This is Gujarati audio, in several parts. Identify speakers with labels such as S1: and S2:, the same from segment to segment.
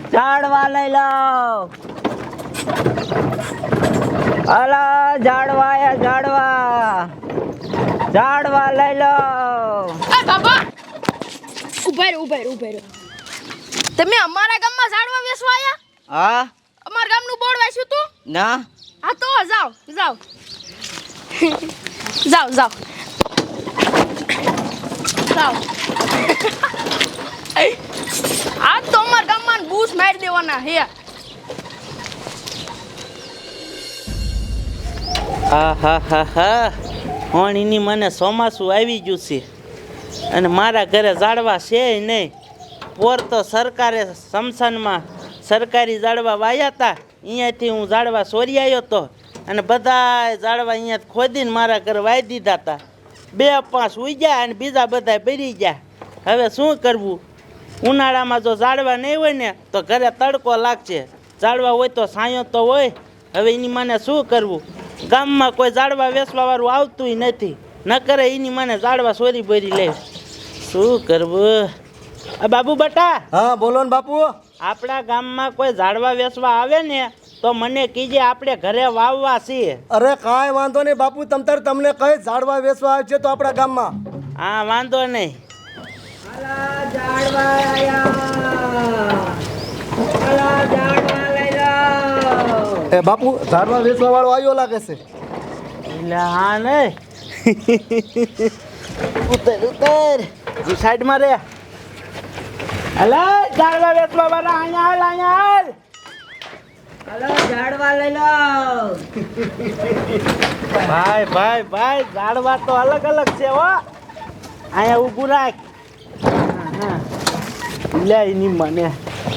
S1: ઝાડવા લઈ લો. અલા ઝાડવા એ ઝાડવા, ઝાડવા લઈ લો.
S2: એ બાબા ઉભા રહ્યો. તમે અમારા ગામમાં ઝાડવા વેચવા આયા?
S1: હા.
S2: અમારા ગામનું બોર્ડ વાંચ્યું તું?
S1: ના.
S2: હા તો જાઓ. જાઓ. આ તો અમારા ગામમાં બૂસ મારી દેવાના હે.
S3: હા હોણીની મને ચોમાસું આવી ગયું છે અને મારા ઘરે ઝાડવા છે નહીં. પોર તો સરકારે સ્મશાનમાં સરકારી ઝાડવા વાયા હતા, અહીંયાથી હું ઝાડવા સોરી આવ્યો હતો અને બધા ઝાડવા અહીંયા ખોદીને મારા ઘરે વાઈ દીધા હતા. 2-5 ઉગ્યા અને બીજા બધા બળી ગયા. હવે શું કરવું? ઉનાળામાં જો ઝાડવા નહીં હોય ને તો ઘરે તડકો લાગશે, ઝાડવા હોય તો છાંયો તો હોય. હવે એની મને શું કરવું? ગામમાં કોઈ ઝાડવા વેચવા વાળું આવતું નથી, ન કરે એની મને ઝાડવા સોરી બોરી લે. શું કરવું? આ બાબુ બટા.
S4: હા બોલો ને બાપુ.
S3: આપણા ગામમાં કોઈ ઝાડવા વેચવા આવે ને તો મને કીજે, આપણે ઘરે વાવવા છીએ.
S4: અરે કાંઈ વાંધો નહીં બાપુ, તમને કઈ ઝાડવા વેચવા આવે છે તો આપણા ગામમાં.
S3: હા વાંધો નહીં.
S1: ઝાડવા લઈ લો.
S4: એ બાપુ ઝાડવા વેચવા વાળો આવ્યો લાગે છે.
S3: એટલે હા નહીં. ઉતર સાઈડમાં રે. અલા ઝાડવા વેચવા વાળા અહીંયા હાલ.
S1: હાલો ઝાડવા લઈ લો.
S3: ભાઈ ઝાડવા તો અલગ છે હો. અહીંયા ઊભું રાખ. લે એની મને.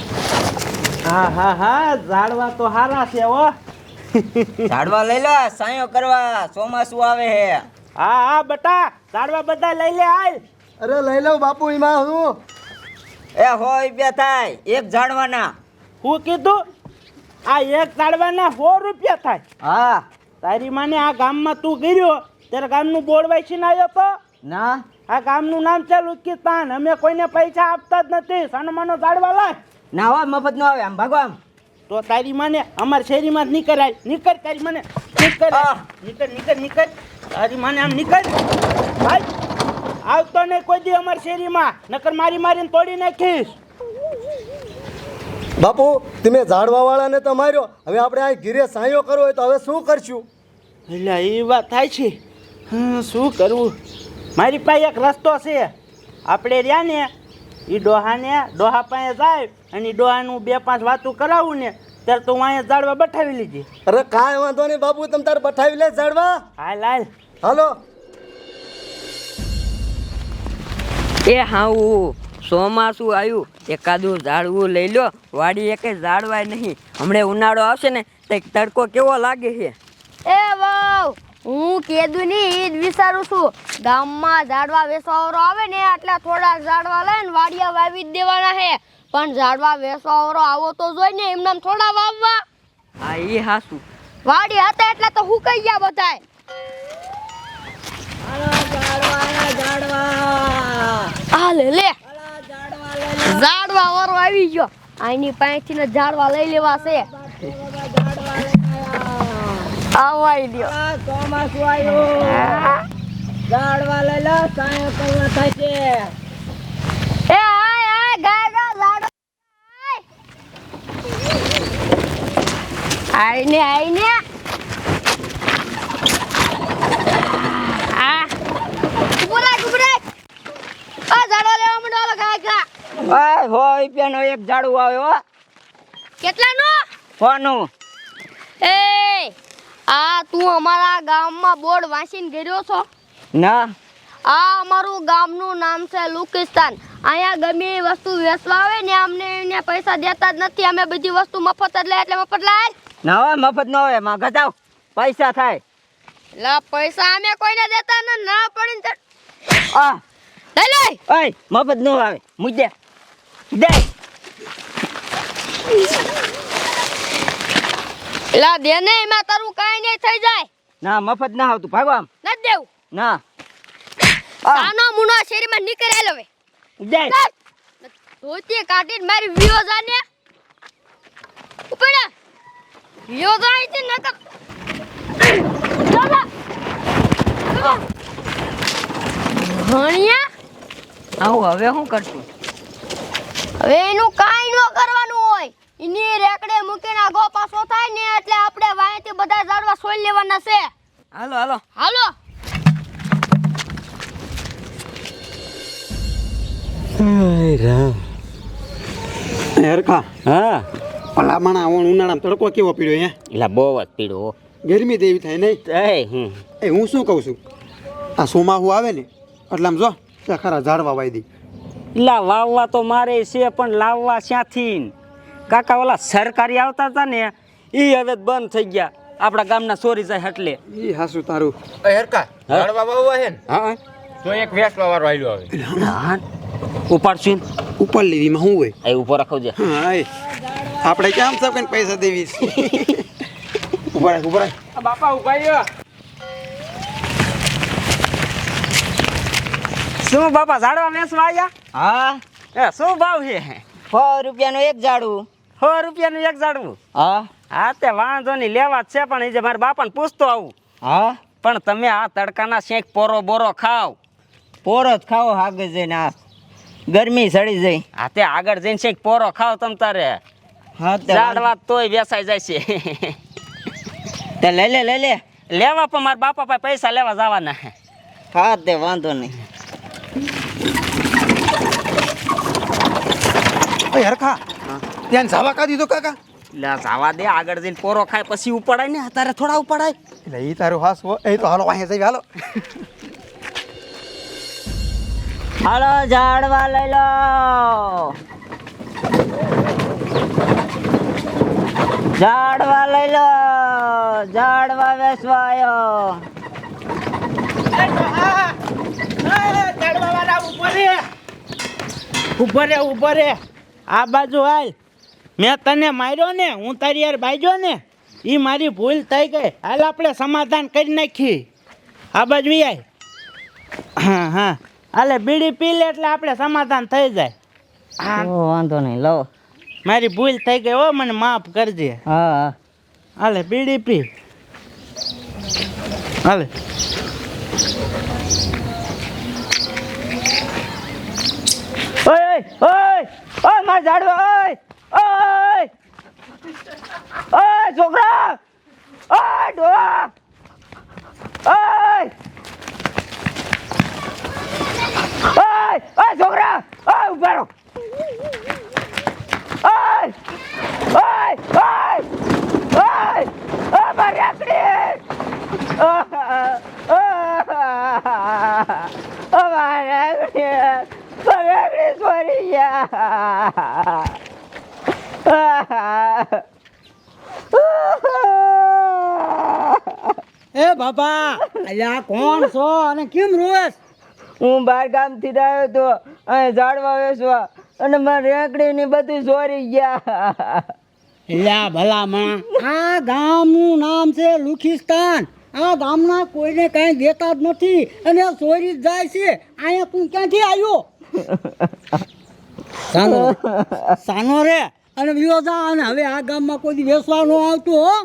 S3: હા ઝાડવા તો હારા છે હો.
S1: ઝાડવા લઈ લો, સાયો કરવા, ચોમાસું આવે હે.
S3: હા બટા, ઝાડવા બધા લઈ લે હાલ.
S4: અરે લઈ લઉં બાપુ, એમાં હું
S1: એ હોય બે થાય એક ઝાડવાના.
S3: હું કીધું? આ એક ઝાડવાના 100 રૂપિયા થાય.
S1: હા.
S3: તારી માને આ ગામમાં તું ગયો ત્યારે ગામનું બોર્ડ વાંચીને આવ્યો તો?
S1: ના.
S3: આ ગામનું નામ છે લુકિસ્તાન. અમે કોઈને પૈસા આપતા જ નથી. સાનો ઝાડવા લાય.
S1: ના હો, મફત નો આવે, આમ ભાગો આમ.
S3: તો તારી માને અમારી શેરીમાં જ નીકળ તારી માને નીકળ. તારી માને આમ નીકળ ભાઈ. આવતો નહીં કોઈ દી અમારી શેરીમાં, નકર મારીને તોડી નાખીશ.
S4: બાપુ તમે ઝાડવા વાળાને તો માર્યો, હવે આપણે આ ઘીરે સાયો કરવો હોય તો હવે શું કરશું?
S3: એટલે એ વાત થાય છે. શું કરવું? મારી પાસે એક રસ્તો છે. આપણે રહ્યા ને એ ડોહા પાસે જાય અને એ ડોહાનું 2-5 વાતું કરાવું ને ત્યારે તો હું અહીંયા ઝાડવા બઠાવી લીધી.
S4: અરે કાંઈ વાંધો નહીં બાપુ, તમે તારે બઠાવી લે ઝાડવા.
S3: હાલ.
S4: હાલો.
S5: એ હાઉ ચોમાસું આવ્યું, એકાદું ઝાડવું લઈ લો. વાડી એકે ઝાડવાય નહીં. હમણાં ઉનાળો આવશે ને તો તડકો કેવો લાગે છે.
S2: એ વાવ, હું કેદું ની ઈદ વિચારું છું. ગામમાં ઝાડવા વેચવાવાળો આવે ને એટલે થોડા ઝાડવા લઈને વાડિયા વાવી જ દેવાના છે. પણ ઝાડવા વેચવાવાળો આવો તો જોઈ ને, એમને થોડા વાવવા.
S5: હા એ હાસું.
S2: વાડી હતા એટલે તો હું કહી ગયા બધાય. આ લે ઝાડવા વાળો આવી ગયો. આની પાસેથી ને ઝાડવા લઈ લેવા છે. આવાઈ લ્યો.
S1: ચોમાસું આવ્યું, ઝાડવા લઈ લો, સાયો કરવા થાય છે.
S2: એ આય ગાય ઝાડવા આઈને આ ગુબરાય આ ઝાડવા લેવા મંડો ગાય ગા.
S1: ઓય હોય રૂપિયાનો એક ઝાડવું આવ્યો.
S2: કેટલાનું?
S1: 100 નું.
S2: એ આ તું અમારા ગામમાં બોર્ડ વાંચીને ગયો છો?
S1: ના.
S2: આ અમારું ગામનું નામ છે લુકિસ્તાન. અહીંયા ગમે એ વસ્તુ વેચવા આવે ને અમને એને પૈસા દેતા જ નથી. અમે બધી વસ્તુ મફત જ લે એટલે મફત લાય.
S1: ના હોય, મફત ન હોય, માં ઘટાવ પૈસા થાય.
S2: લા પૈસા અમે કોઈને દેતા ન ના પડીને
S1: આ
S2: લઈ
S1: ઓય મફત ન આવે, મુજે દે.
S2: લા દે ને, એમાં તારું કાઈ નહીં થઈ જાય.
S1: ના મફત ના આવતું, ભાગો આમ.
S2: ન દેવું
S1: ના.
S2: સાનો મુનો શેરીમાં નીકળેલો હવે
S1: દે.
S2: ધોતી કાઢીને મારી વિયો જાને. ઉપડા યો જાય છે નકર દાદા ભણ્યા
S5: આવું હવે શું કરશું?
S2: હવે એનું કાઈ ન કરવાનું હોય એની રેકડે મૂકીને આગો પાછો થાય ને એટલે આપણે વાંયથી બધા ઝાડવા સોઈ લેવાના છે.
S5: હાલો હાલો.
S2: હાલો
S6: હેરખા
S7: હા
S6: ઓલા માણા ઉનાળામાં તડકો કેવો પીડ્યો હે?
S7: એટલે બહુ જ પીડો
S6: ગરમી દેવી થાય નહીં. એ હું શું કહું છું, આ ચોમાસું આવે ને એટલે આમ જો ત્યાં ખરા ઝાડવા વાવી દઈ.
S7: એટલે વાવવા તો મારે છે પણ લાવવા ક્યાંથી? કાકા ઓલા સરકારી આવતા હતા ને એ હવે બંધ થઈ ગયા. આપણા ગામના ચોરી જાય એટલે.
S6: ઈ હાસું તારું.
S8: હરકા ઝાડવા વાવવા હે ને
S6: હા
S8: તો એક વેસવા વાળો આયલો આવે
S7: ઉપાડશું
S6: ઉપર લેવીમાં શું હોય?
S7: એ ઉભો રાખો છે.
S6: હા એ આપણે કેમ સબ કઈ પૈસા દેવી છે? ઉભા રાખ ઉભા રાખ.
S8: બાપા ઉભાઈ
S7: શું બાપા ઝાડવા વેચવા આવ્યા?
S5: હા
S7: એ શું ભાવ છે?
S5: 100 રૂપિયાનું એક ઝાડવું.
S7: 100 રૂપિયાનું એક ઝાડવું?
S5: હા
S7: હા તે વાંધો નહીં, લેવા જ છે પણ એ જે મારા બાપાને પૂછતો આવું.
S5: હા
S7: પણ તમે આ તડકાના શેક પોરો બોરો ખાવ.
S5: પોરો જ ખાઓ આગળ જઈને. આ ગરમી સડી જાય.
S7: હા તે આગળ જઈને શેક પોરો ખાવ તમ તારે.
S5: હા
S7: ઝાડવા તોય વેચાઈ જાય છે.
S5: તે લઈ લે
S7: લેવા પણ મારા બાપા પાસે પૈસા લેવા જવાના.
S5: હા તે વાંધો નહીં.
S6: ઓય હરખા ત્યાં ઝાવા કાઢી દો કાકા.
S7: એટલે જવા દે, આગળ જઈને પોરો ખાય પછી ઉપડાય ને, અત્યારે થોડા ઉપડાય.
S6: એટલે ઈ તારું હાસ એ તો હાલો અહીંયા જઈ હાલો.
S5: હાલો ઝાડવા લઈ લો. ઝાડવા લઈ લો. ઝાડવા વેચવા આવ્યો.
S3: ઉભો રે આ બાજુ હાલ. મેં તને માર્યો ને, હું તારી યાર બાજ્યો ને, એ મારી ભૂલ થઈ ગઈ. હાલ આપણે સમાધાન કરી નાખી. આ બાજુ આય. હા હા હાલે બીડી પી લે એટલે આપણે સમાધાન થઈ જાય. હા
S5: વાંધો નહીં લો.
S3: મારી ભૂલ થઈ ગઈ હો, મને માફ કરજે.
S5: હા
S3: હાલે બીડી પી. હાલે ઓય ઓય ઓય માર ઝાડવા ઓય ઓય ઓય છોકરા ઓય ડોહા ઓય ઓય ઓય છોકરા ઓય ઉભા રહો ઓય ઓય ઓય ઓય ઓય મારી આકડી મારી આકડી સોરી
S1: એ બાપા અલ્યા કોણ છો અને કેમ રોસ?
S5: હું બાર ગામથી આવ્યો તો અહીં ઝાડવા વેચવા અને મારી રેકડી ની બધું ચોરી ગયા.
S1: અલ્યા ભલામણ આ ગામનું નામ છે લુખિસ્તાન. આ ગામના કોઈને કાંઈ દેતા જ નથી અને આ ચોરી જ જાય છે. અહીંયા તું ક્યાંથી આવ્યો? સાનો રે અને વિયો જા અને હવે આ ગામમાં કોઈ દી વેચવા ન આવતો હો.